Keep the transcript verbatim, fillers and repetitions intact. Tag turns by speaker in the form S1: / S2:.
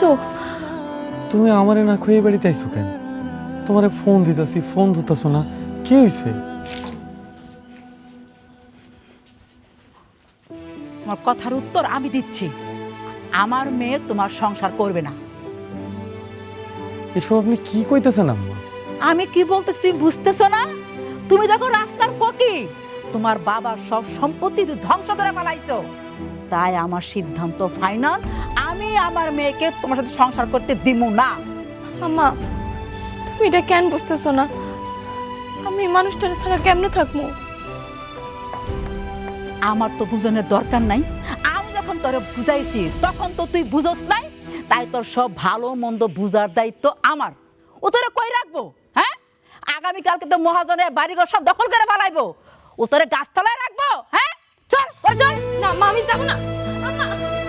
S1: আইছো?
S2: তুমি আমারে না খুঁয়ে বাড়িতে আইছো কেন? তোমারে ফোন দিতেছি, ফোন ধরতেছো না, কি হয়েছে?
S3: তোমার কথার উত্তর আমি দিচ্ছি। আমার মেয়ে তোমার সংসার করবে না।
S2: এসব আপনি কি কইতেছেন আম্মা?
S3: আমি কি বলতেছি তুমি বুঝতেছো না? তুমি দেখো রাস্তার পকি, তোমার বাবার সব সম্পত্তি তুমি ধ্বংস করে ফেলাইছো। তাই আমার সিদ্ধান্ত ফাইনাল, আমি আমার মেয়েকে তোমার সাথে সংসার করতে দিমু না।
S1: আম্মা, তুমি এটা কেন বুঝতেছো না? আমি এই মানুষটার ছাড়া কেমনে থাকবো?
S3: আমার তো বুঝানোর দরকার নাই। আমি যখন তোরে বুঝাইছি তখন তো তুই বুঝোস নাই। তাই তোর সব ভালো মন্দ বুঝার দায়িত্ব আমার। ও তোরে কই রাখবো? হ্যাঁ, আগামীকালকে তো মহাজনের বাড়িঘর সব দখল করে ফেলাইবো। ও তোরে গাছতলায় রাখবো? হ্যাঁ, চল ওরে চল।
S1: না মা, আমি যাবো না। আম্মা